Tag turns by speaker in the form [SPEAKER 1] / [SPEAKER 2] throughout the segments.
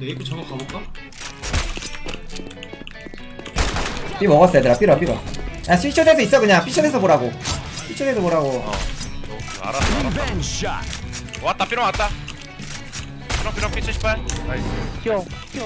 [SPEAKER 1] 근데 에이크 저거 가볼까?
[SPEAKER 2] 삐 먹었어 얘들아. 삐러 삐러. 야 피셔에서 있어 그냥. 피셔에서 보라고. 피셔에서 보라고.
[SPEAKER 3] 알았어. 왔다 삐롱 왔다. 삐롱 P78. 나이스.
[SPEAKER 4] 튀어.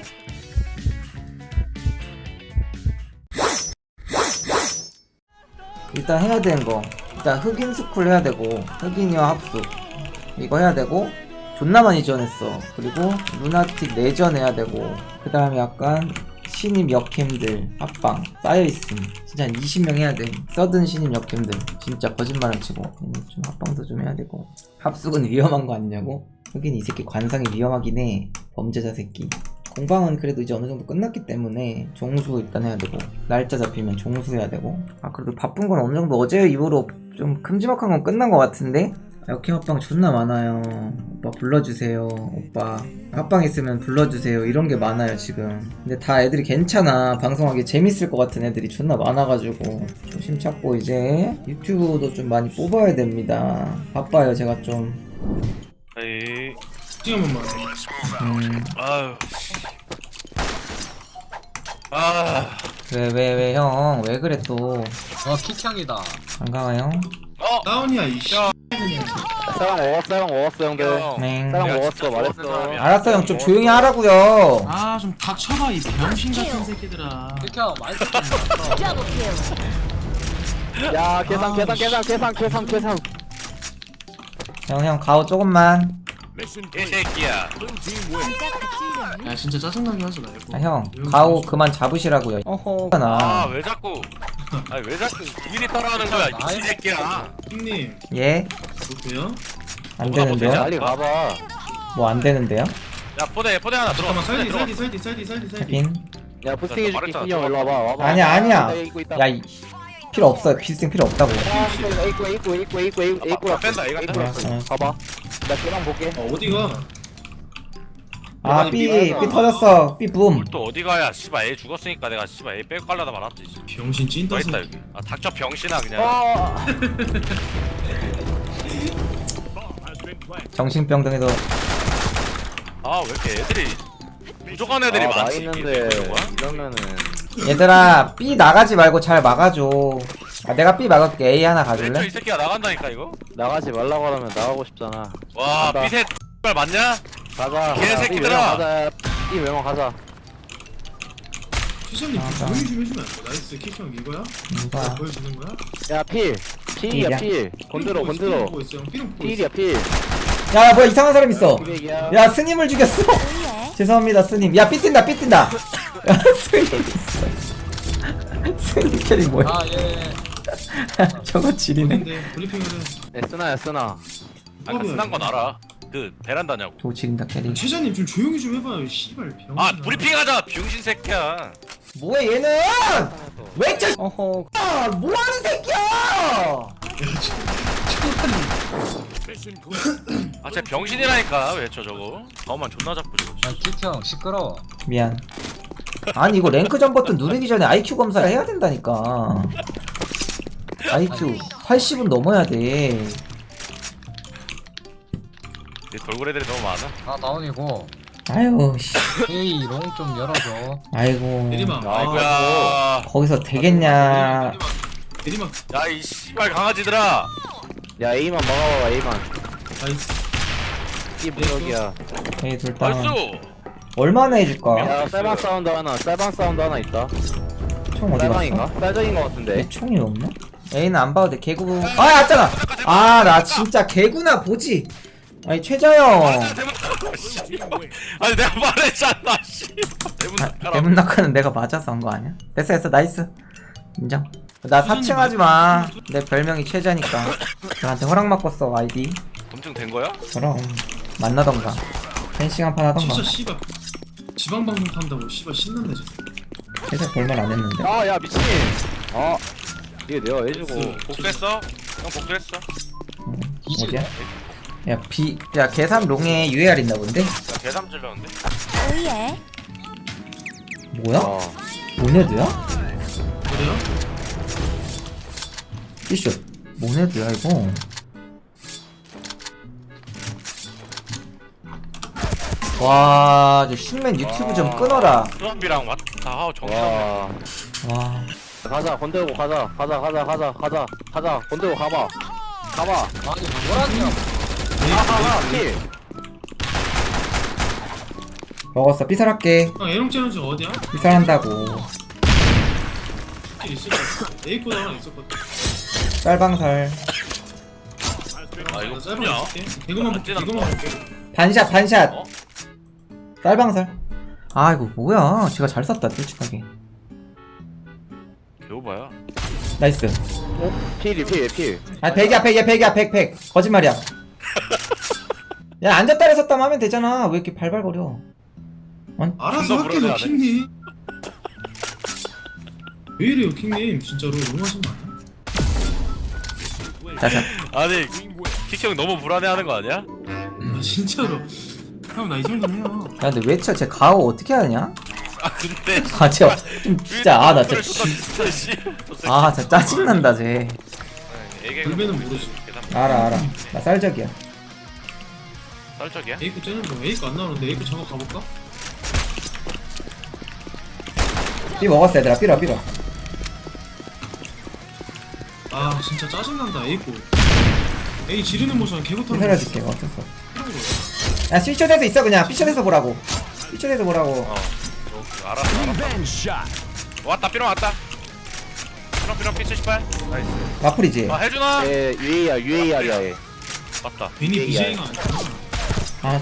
[SPEAKER 2] 일단 해야 되는 거. 일단 흑인 스쿨 해야 되고 흑인이와 합숙 이거 해야 되고 존나 많이 지원했어. 그리고 루나틱 내전 해야 되고 그 다음에 약간 신입 역캠들 합방 쌓여있음. 진짜 한 20명 해야 돼. 서든 신입 역캠들 진짜 거짓말을 치고 좀 합방도 좀 해야 되고. 합숙은 위험한 거 아니냐고? 흑인 이 새끼 관상이 위험하긴 해. 범죄자 새끼. 공방은 그래도 이제 어느 정도 끝났기 때문에 종수 일단 해야 되고 날짜 잡히면 종수 해야 되고. 아 그래도 바쁜 건 어느 정도 어제 이후로 좀 큼지막한 건 끝난 것 같은데. 역행 합방 존나 많아요. 오빠 불러주세요. 오빠 합방 있으면 불러주세요. 이런 게 많아요 지금. 근데 다 애들이 괜찮아. 방송하기 재밌을 것 같은 애들이 존나 많아가지고 조심 찾고 이제 유튜브도 좀 많이 뽑아야 됩니다. 바빠요 제가 좀.
[SPEAKER 3] 에이.
[SPEAKER 1] 스팅 한 번만.
[SPEAKER 3] 아유. 아.
[SPEAKER 2] 왜 형 왜 그래 또.
[SPEAKER 5] 킥향이다.
[SPEAKER 2] 반가워 형.
[SPEAKER 1] 다운이야 이씨.
[SPEAKER 4] 쌀랑 먹었어 형들.
[SPEAKER 2] 네.
[SPEAKER 4] 쌀랑
[SPEAKER 3] 내가
[SPEAKER 4] 먹었어
[SPEAKER 3] 진짜
[SPEAKER 4] 말했어.
[SPEAKER 3] 사람이야.
[SPEAKER 2] 알았어 형 좀 조용히 하라고요.
[SPEAKER 1] 아 좀 닥쳐봐 이 병신 같은 새끼들아.
[SPEAKER 5] 킥향 많이
[SPEAKER 4] 야 계산.
[SPEAKER 2] 형 가오 조금만.
[SPEAKER 3] 이 새끼야.
[SPEAKER 1] 야 진짜 짜증나게 하지 말고.
[SPEAKER 2] 아, 형 가오 그만 잡으시라고요. 어허 나.
[SPEAKER 3] 왜 자꾸 왜 자꾸 미리 따라하는 거야 이 새끼야.
[SPEAKER 1] 형님
[SPEAKER 2] 예?
[SPEAKER 1] 보세요.
[SPEAKER 2] 안
[SPEAKER 3] 뭐가
[SPEAKER 2] 되는데요?
[SPEAKER 3] 되냐?
[SPEAKER 4] 빨리 가봐.
[SPEAKER 2] 뭐 안 되는데요?
[SPEAKER 3] 야 포대 하나 들어.
[SPEAKER 1] 잠깐만 살디.
[SPEAKER 2] 빈?
[SPEAKER 4] 야 부스팅 해줄게.
[SPEAKER 3] 말했잖아.
[SPEAKER 4] 형 일로 와봐.
[SPEAKER 2] 아니야
[SPEAKER 4] 나 이거 있다.
[SPEAKER 2] 야 필요 없어요. 필승 필요 없다고.
[SPEAKER 4] 에이꾸라
[SPEAKER 3] 뺀다, 이거 뺀다.
[SPEAKER 4] 가봐. 나 계란 볼게.
[SPEAKER 1] 어디가?
[SPEAKER 2] 아 삐 터졌어. 삐 붐.
[SPEAKER 3] 또 어디 가야 씨발 애 죽었으니까 내가 씨발 애 빼고 깔라다 말았지.
[SPEAKER 1] 병신 찐따
[SPEAKER 3] 뭐 있다
[SPEAKER 1] 새끼.
[SPEAKER 3] 여기. 아 닥쳐 병신아 그냥.
[SPEAKER 2] 정신병동에도
[SPEAKER 3] 아 왜 이렇게 애들이 부족한 애들이
[SPEAKER 4] 나
[SPEAKER 3] 많지.
[SPEAKER 4] 있는데
[SPEAKER 3] 이게 뭐야?
[SPEAKER 4] 이러면은
[SPEAKER 2] 얘들아 삐 나가지 말고 잘 막아줘. 아 내가 삐 막을게. A 하나
[SPEAKER 3] 왼쪽
[SPEAKER 2] 가줄래?
[SPEAKER 3] 이 새끼가 나간다니까 이거.
[SPEAKER 4] 나가지 말라고 하면 나가고 싶잖아.
[SPEAKER 3] 와
[SPEAKER 4] 간다.
[SPEAKER 3] 삐셋 X 맞냐?
[SPEAKER 4] 가자.
[SPEAKER 3] 개새끼들아.
[SPEAKER 4] 이 외모 가자.
[SPEAKER 1] 최선님 조용히 좀 해주면 안 돼? 나이스 킥형 이거야?
[SPEAKER 2] 이거야.
[SPEAKER 1] 보여주는 거야?
[SPEAKER 4] 야 필이야
[SPEAKER 2] 필이야?
[SPEAKER 4] 필. 건드려.
[SPEAKER 1] 보고 있어 형. 삐롱 보고 있어.
[SPEAKER 4] 필이야 필.
[SPEAKER 2] 야 뭐야 이상한 사람 있어.
[SPEAKER 4] 기백이야.
[SPEAKER 2] 야 스님을 죽였어. 죄송합니다 스님. 야 삐뛴다. 야 스님 있어. 스님 캐릭 뭐야?
[SPEAKER 5] 아예
[SPEAKER 2] 저거 지리네.
[SPEAKER 1] 근데 브리핑을 해.
[SPEAKER 4] 쓰나.
[SPEAKER 3] 아까 쓴한 건 알아. 그 베란다냐고.
[SPEAKER 2] 저거 지린다 캐릭.
[SPEAKER 1] 최자님 좀 조용히 좀 해봐요. 씨발 병신.
[SPEAKER 3] 아 브리핑하자 병신 새끼야.
[SPEAKER 2] 뭐야 얘는? 왜 저? 어허. 아 뭐하는 새끼야?
[SPEAKER 3] 아 진짜 병신이라니까 왜 저 저거. 가오만 존나 잡고 저거.
[SPEAKER 5] 킥향 시끄러워.
[SPEAKER 2] 미안. 아니 이거 랭크전 버튼 누르기 전에 IQ 검사를 해야 된다니까. IQ 80은 넘어야 돼.
[SPEAKER 3] 내 돌고래 애들이 너무 많아.
[SPEAKER 5] 아 다운이고.
[SPEAKER 2] 아유 씨.
[SPEAKER 5] 에이 롱 좀 열어줘.
[SPEAKER 2] 아이고.
[SPEAKER 1] 내리막.
[SPEAKER 3] 아이고야.
[SPEAKER 2] 거기서 되겠냐?
[SPEAKER 1] 내리막.
[SPEAKER 3] 야이 씨발 강아지들아.
[SPEAKER 4] 야 A만 막아봐 A만.
[SPEAKER 1] 나이스.
[SPEAKER 4] 이 무적이야.
[SPEAKER 2] 에이 둘다
[SPEAKER 3] 나이스.
[SPEAKER 2] 얼마나 해줄까?
[SPEAKER 4] 야 쌀방 사운드 하나 있다.
[SPEAKER 2] 총 어디
[SPEAKER 4] 쌀방인가?
[SPEAKER 2] 갔어?
[SPEAKER 4] 쌀적인 거 같은데.
[SPEAKER 2] 내 총이 없나? A는 안 봐도 돼. 개구. 아 왔잖아. 아 나 진짜 개구나 보지. 아니 최자영.
[SPEAKER 3] 아니 내가 말했잖아 씨.
[SPEAKER 2] 대문 낙하는 내가 맞아서 한 거 아니야? 됐어 나이스. 인정. 나 사칭하지 마. 내 별명이 최자니까. 나한테 허락 받고 써 아이디.
[SPEAKER 3] 검증된 거야?
[SPEAKER 2] 그럼 만나던가. 펜싱 한판 하던가.
[SPEAKER 1] 진짜 씨발. 지방방송 탄다고 씨발 신난다 진짜.
[SPEAKER 2] 최자 볼말 안 했는데.
[SPEAKER 4] 야 미친. 이게 내가 해주고.
[SPEAKER 3] 복수했어? 형 복수했어?
[SPEAKER 2] 어디야? 야 계산 롱에 UAR 있나 본데?
[SPEAKER 3] 나 계산 찔렀는데.
[SPEAKER 6] 오예.
[SPEAKER 2] 뭐야? 모네드야?
[SPEAKER 1] 그래요?
[SPEAKER 2] 이쇼 모네드야 이거. 와, 저 슈맨 유튜브 좀 끊어라.
[SPEAKER 3] 수업이랑 왔다 하고 정신
[SPEAKER 4] 와.
[SPEAKER 2] 와,
[SPEAKER 4] 가자 건들고 가자 건들고 가봐
[SPEAKER 5] 아니 뭐라냐?
[SPEAKER 4] 가가 킬
[SPEAKER 2] 먹었어. 삐살할게.
[SPEAKER 1] 아 에롱 챌린지 어디야?
[SPEAKER 2] 삐살한다고.
[SPEAKER 1] 있을 것 같아. 에이코도 하나 있었거든.
[SPEAKER 2] 쌀방살.
[SPEAKER 3] 아 이거
[SPEAKER 1] 짧은
[SPEAKER 3] 뭐냐?
[SPEAKER 1] 거 있을게. 개그만 볼게.
[SPEAKER 3] 안
[SPEAKER 1] 개그만 볼게.
[SPEAKER 2] 반샷, 반샷.
[SPEAKER 3] 어?
[SPEAKER 2] 쌀방살. 아, 이거 뭐야. 제가 잘 쐈다, 솔직하게.
[SPEAKER 3] 개오바야.
[SPEAKER 2] 나이스.
[SPEAKER 4] 필
[SPEAKER 2] 아, 100이야, 100이야, 100. 거짓말이야. 야, 앉았다 했었다면 하면 되잖아. 왜 이렇게 발발거려.
[SPEAKER 1] 알아서
[SPEAKER 3] 존나
[SPEAKER 1] 할게요,
[SPEAKER 3] 불안해하네.
[SPEAKER 1] 킹님. 왜 이래요, 킹님? 진짜로 너무하신 거 아니야?
[SPEAKER 2] 자자.
[SPEAKER 3] 아니 키형 너무 불안해하는 거 아니야?
[SPEAKER 1] 아 진짜로. 형 나 이 정도는 해요.
[SPEAKER 2] 야, 근데 왜 쳐? 쟤 가오 어떻게 하냐?
[SPEAKER 3] 아 근데
[SPEAKER 2] 아, 쟤 좀 진짜, 아, 나 진짜.
[SPEAKER 3] 진짜 씨.
[SPEAKER 2] 아, 진짜 짜증난다, 쟤.
[SPEAKER 1] 불배는 모르지.
[SPEAKER 2] 알아. 나 쌀적이야.
[SPEAKER 3] 쌀적이야?
[SPEAKER 1] 에이코 째는 거. 에이코 안 나오는데 에이코 작업 가볼까?
[SPEAKER 2] 삐 먹었어, 얘들아. 삐라.
[SPEAKER 1] 아 진짜 짜증난다 에이코. 에이 지르는 모션 개고타는
[SPEAKER 2] 살려줄게. 어쩔 수 없어. 야, 삐쳐대서 있어, 그냥. 삐쳐대서 보라고. 삐쳐대서 보라고.
[SPEAKER 3] 어. 알았어. 왔다 삐롱 왔다. 삐롱 P78. 나이스.
[SPEAKER 2] 마플이지?
[SPEAKER 3] 아 해주나?
[SPEAKER 4] 예 UAR이야 얘
[SPEAKER 3] 맞다.
[SPEAKER 1] 괜히
[SPEAKER 4] 에이,
[SPEAKER 1] BJ가 아니야.
[SPEAKER 2] 아,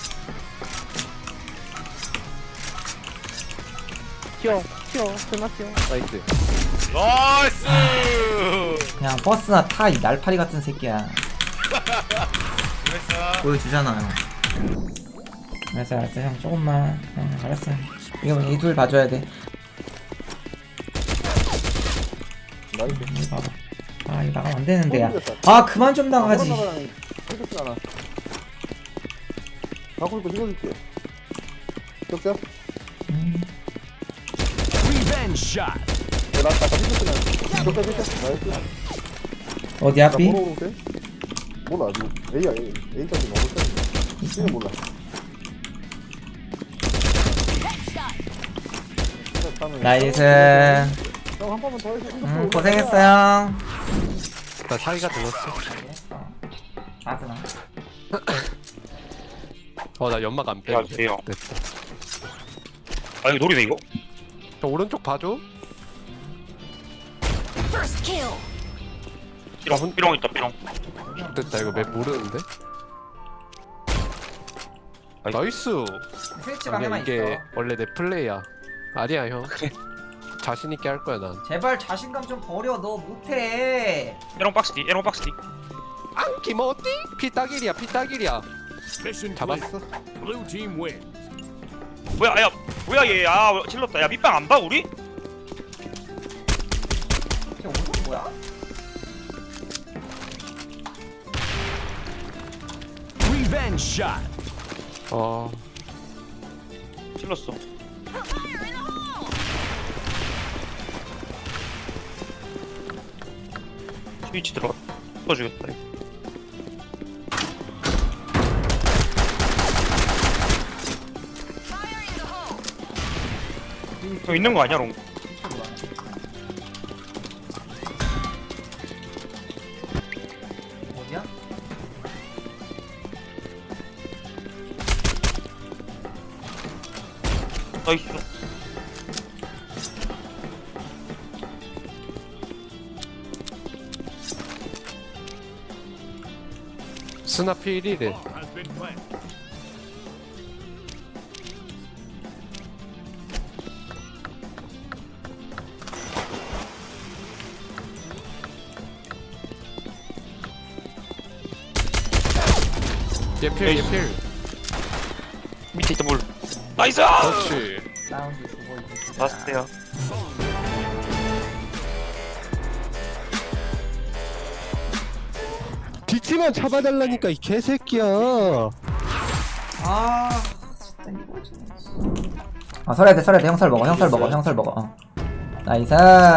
[SPEAKER 4] 튀어 스나 튀어 나이스
[SPEAKER 3] 나이스.
[SPEAKER 2] 그냥 버스나 타, 이 날파리 같은 새끼야.
[SPEAKER 3] 나이스.
[SPEAKER 2] 보여주잖아요. 알았어, 형. 조금만. 알았어. 이거 이 둘 봐줘야 돼.
[SPEAKER 4] 나이스
[SPEAKER 2] 이거 봐봐. 아, 이거 나가면 안 되는데, 야. 아, 그만 좀 나가지.
[SPEAKER 4] 갖고 있고 찍어줄게 격자
[SPEAKER 2] 어디야, 삐?
[SPEAKER 6] 몰라 지금 A야 A까지 먹을 텐데 B는 몰라
[SPEAKER 2] 나이스.
[SPEAKER 6] 형한 번만 더 해줘
[SPEAKER 2] 고생했어요.
[SPEAKER 4] 나 사기가 들었어
[SPEAKER 2] 아스나.
[SPEAKER 7] 나 연막 안 빼.
[SPEAKER 3] 안녕하세요.
[SPEAKER 7] 됐다.
[SPEAKER 3] 아 이거 노리네 이거.
[SPEAKER 7] 저 오른쪽 봐줘.
[SPEAKER 3] 삐롱 있다 삐롱.
[SPEAKER 7] 됐다. 이거 맵 모르는데. 나이스.
[SPEAKER 2] 스위치
[SPEAKER 7] 아니야,
[SPEAKER 2] 방에만
[SPEAKER 7] 이게
[SPEAKER 2] 있어.
[SPEAKER 7] 원래 내 플레이야. 아니야 형. 자신 있게 할 거야 난.
[SPEAKER 2] 제발 자신감 좀 버려. 너 못해.
[SPEAKER 3] 삐롱 박스 뒤. 삐롱 박스 뒤.
[SPEAKER 7] 안기모띠? 피따길이야. 잡았어.
[SPEAKER 3] 뭐야 야 뭐야 얘. 아 질렀다. 야 밑방 안 봐 우리?
[SPEAKER 2] 쟤 오늘 뭐야?
[SPEAKER 3] 질렀어. 스위치 들어가. 터주겠다. 저 있는 거 아니야 롱?
[SPEAKER 2] 어디야?
[SPEAKER 3] 나이스.
[SPEAKER 7] 스나 필이래. 얘필.
[SPEAKER 3] 밑에 있다 물. 나이스.
[SPEAKER 7] 그렇지.
[SPEAKER 2] 사운드 주고 있어.
[SPEAKER 3] 나이스야.
[SPEAKER 7] 뒤치만 잡아달라니까 이 개새끼야.
[SPEAKER 2] 아, 진짜 이거 좀. 아, 설해야 돼. 형설 먹어. 어. 나이스.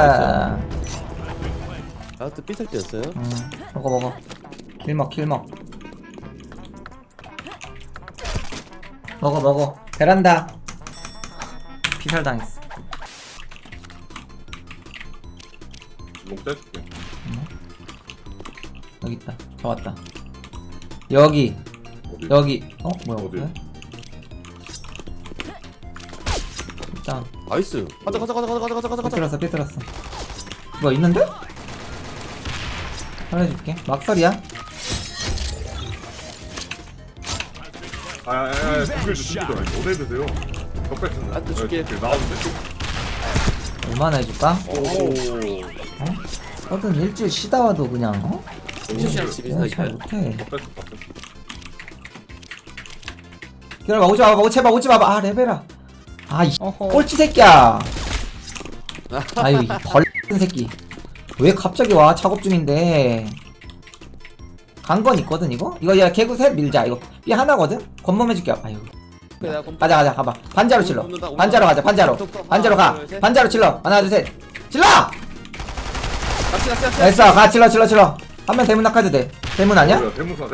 [SPEAKER 8] 아또 삐살 때였어요?
[SPEAKER 2] 먹어. 킬먹. 먹어. 베란다. 피살당했어.
[SPEAKER 6] 롱 떼줄게.
[SPEAKER 2] 여기 있다. 저 왔다. 여기.
[SPEAKER 6] 어디?
[SPEAKER 2] 여기. 뭐야?
[SPEAKER 6] 어디?
[SPEAKER 2] 그래? 일단
[SPEAKER 4] 나이스. 가자.
[SPEAKER 2] 삐뚤었어. 뭐 있는데? 살려줄게. 막설이야.
[SPEAKER 6] 준비도 어디 드세요? 덕백
[SPEAKER 4] 아, 또 줄게.
[SPEAKER 6] 나왔는데?
[SPEAKER 2] 얼마나 해줄까?
[SPEAKER 6] 오.
[SPEAKER 2] 어떤 일주일 쉬다 와도 그냥
[SPEAKER 4] 미션이랑 집이
[SPEAKER 2] 그냥
[SPEAKER 4] 다
[SPEAKER 2] 잘
[SPEAKER 4] 있어요.
[SPEAKER 2] 못해.
[SPEAKER 6] 덕백.
[SPEAKER 2] 기다려봐. 오지 마봐. 제발 오지 마봐. 아 레벨아. 아이 꼴찌 새끼야. 아유 이 벌 같은 새끼. 왜 갑자기 와? 작업 중인데. 간 건 있거든 이거? 이거 야 개구 셋 밀자. 이거 삐 하나거든? 권범해줄게. 아유. 가자 가봐. 반자로 칠러. 반자로 가자. 반자로 가. 반자로 칠러. 하나 둘 셋. 칠러. 됐어. 가 칠러. 한 명 대문 낙하도 돼. 대문 아니야?
[SPEAKER 6] 대문수나.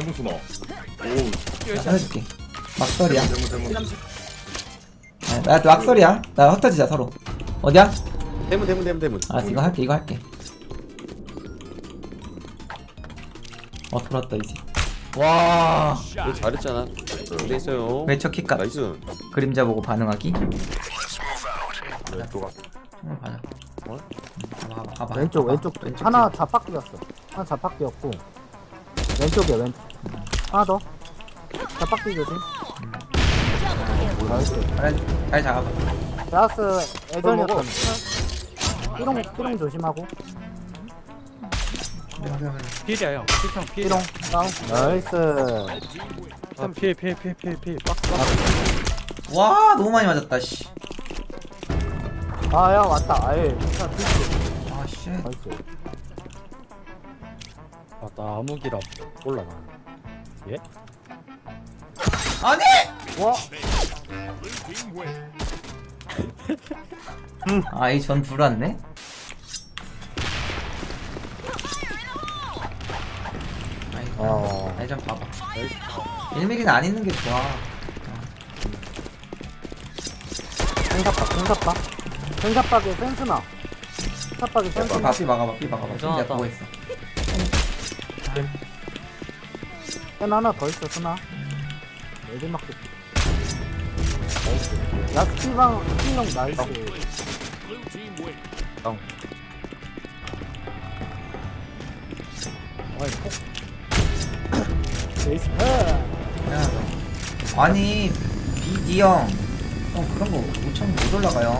[SPEAKER 6] 오.
[SPEAKER 2] 자, 해줄게. 막설이야.
[SPEAKER 6] 대문.
[SPEAKER 2] 나또 막설이야. 나 흩어지자 서로. 어디야?
[SPEAKER 4] 대문.
[SPEAKER 2] 알았어 이거 할게. 돌았다 이제. 와.
[SPEAKER 4] 이거 잘했잖아. 잘돼 있어요.
[SPEAKER 2] 외쳐 킥값.
[SPEAKER 4] 나이스.
[SPEAKER 2] 그림자 보고 반응하기.
[SPEAKER 6] 또 가.
[SPEAKER 2] 봐자. 가봐.
[SPEAKER 8] 왼쪽 하나 자팍 뛰었어. 하나 자팍 뛰었고 왼쪽이야 왼쪽. 하나 더 자팍 뛰 조심.
[SPEAKER 2] 잘 잡아봐.
[SPEAKER 8] 라스 애전이었던. 삐롱 조심하고.
[SPEAKER 5] 필이야 형. 필형 필.
[SPEAKER 8] 삐롱 다운. 나이스.
[SPEAKER 5] 필.
[SPEAKER 2] 와 너무 많이 맞았다 씨.
[SPEAKER 8] 아야 왔다. 아예.
[SPEAKER 2] 아 씨.
[SPEAKER 8] 나이스.
[SPEAKER 5] 나 암흑이라 몰라 나. 예?
[SPEAKER 2] 아니!
[SPEAKER 8] 와.
[SPEAKER 2] 아이 전 불왔네. 아이 좀 봐봐. 1mm는 안 있는 게 좋아.
[SPEAKER 8] 센사박에 센스나. 센사박에 센스나.
[SPEAKER 2] 삐 막아봐. 내가 보고 있어.
[SPEAKER 8] 센 하나 더 있어 스나. 레디 막고. 나이스. 라스 피방 pil롱 나이스. 나이스.
[SPEAKER 2] 아니 BD 형 그런 거 5천 못 올라가요.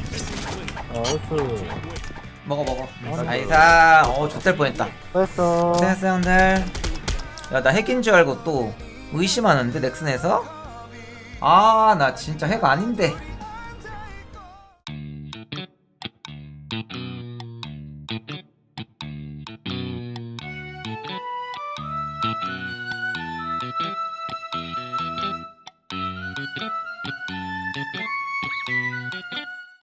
[SPEAKER 8] 나이스.
[SPEAKER 2] 먹어. 나이사. 좆될 뻔했다.
[SPEAKER 8] 됐어.
[SPEAKER 2] 고생했어 형들. 야 나 핵인 줄 알고 또 의심하는데 넥슨에서. 아 나 진짜 핵 아닌데.